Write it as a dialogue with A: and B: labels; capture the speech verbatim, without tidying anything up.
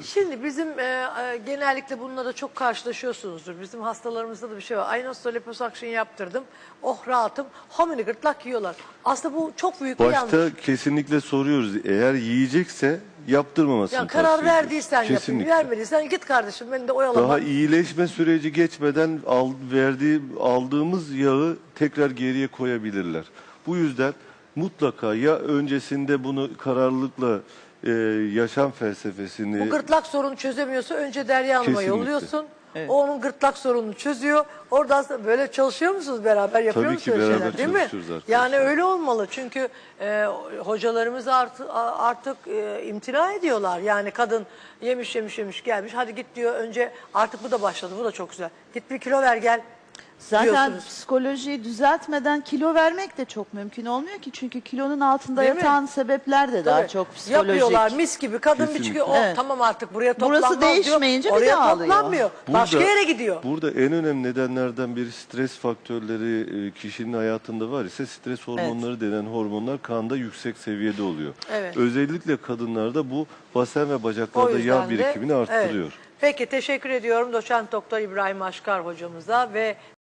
A: Şimdi bizim e, e, genellikle bununla da çok karşılaşıyorsunuzdur. Bizim hastalarımızda da bir şey var. Aynosta liposuction yaptırdım. Oh rahatım. Homini gırtlak yiyorlar. Aslında bu çok büyük bir yanlış.
B: Başta kesinlikle soruyoruz. Eğer yiyecekse yaptırmamasını
A: Yani karar
B: tavsiye ediyoruz.
A: verdiysen yapayım,
B: Kesinlikle.
A: vermediysen git kardeşim beni de oyalama.
B: Daha iyileşme süreci geçmeden al, verdiği, aldığımız yağı tekrar geriye koyabilirler. Bu yüzden mutlaka ya öncesinde bunu kararlılıkla e, yaşam felsefesini...
A: Bu gırtlak sorunu çözemiyorsa önce Derya Hanım'a
B: Kesinlikle.
A: yolluyorsun.
C: Evet.
A: O onun gırtlak sorununu çözüyor. Oradan sonra böyle çalışıyor musunuz beraber? Yapıyor
B: Tabii
A: musunuz
B: ki
A: öyle
B: beraber
A: şeyler, değil mi?
B: çalışıyoruz arkadaşlar.
A: Yani öyle olmalı. Çünkü e, hocalarımız artık, artık e, imtina ediyorlar. Yani kadın yemiş yemiş yemiş gelmiş. Hadi git diyor önce. Artık bu da başladı. Bu da çok güzel. Git bir kilo ver gel.
C: Zaten
A: diyorsunuz.
C: psikolojiyi düzeltmeden kilo vermek de çok mümkün olmuyor ki. Çünkü kilonun altında
A: Değil mi?
C: yatan sebepler de daha
A: Tabii.
C: çok psikolojik.
A: Yapıyorlar mis gibi. Kadın bir
B: Kesinlikle.
A: çıkıyor. Oh,
C: Evet.
A: tamam artık buraya toplanmaz
C: Burası
A: diyor.
C: değişmeyince bir
A: Oraya
C: daha alıyor.
A: toplanmıyor. Başka yere gidiyor.
B: Burada en önemli nedenlerden biri stres faktörleri e, kişinin hayatında var ise stres hormonları denen hormonlar kanda yüksek seviyede oluyor.
A: Evet.
B: Özellikle kadınlarda bu basen ve
A: O
B: bacaklarda
A: yüzden
B: yağ
A: de-
B: birikimini arttırıyor.
A: Evet. Peki teşekkür ediyorum Doçent Doktor İbrahim Aşkar hocamıza ve